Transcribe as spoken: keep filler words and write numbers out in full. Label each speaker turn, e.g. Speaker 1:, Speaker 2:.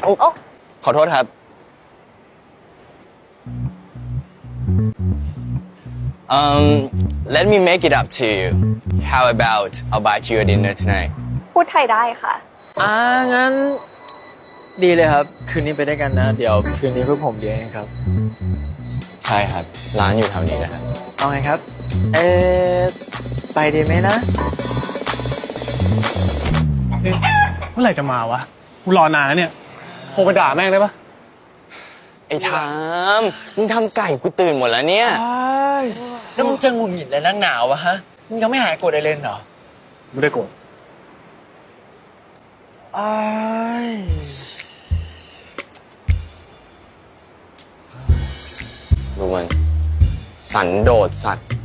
Speaker 1: โอ้ขอโทษครับ um let me make it up to you how about I'll buy you a dinner tonight
Speaker 2: พูดไทยได้ค่ะ
Speaker 3: อ่างั้นดีเลยครับ คืนนี้ไปได้วยกันนะ เดี๋ยวคืนนี้พวกผมเลี้ยงเองครับ
Speaker 1: ใช่ครับ ร้านอยู่แถวนี้นะครับ
Speaker 3: เอาไงครับ เออไปดีไหมนะ
Speaker 4: เมื่อไหร่จะมาวะกูรอนานแล้วเนี่ยโทรไปด่าแม่งได้ปะ
Speaker 1: ไอ้ทามมึงทำไก่กูตื่นหมดแล้วเนี่ย
Speaker 3: แล้วมึงจะงุนหงิดอะไรนักหนาวะฮะ มึงยังไม่หายโกรธไอเลนเหรอ
Speaker 4: ไม่ได้โกรธ
Speaker 3: อ้าย
Speaker 1: ดูมัน สันโดษสัตว์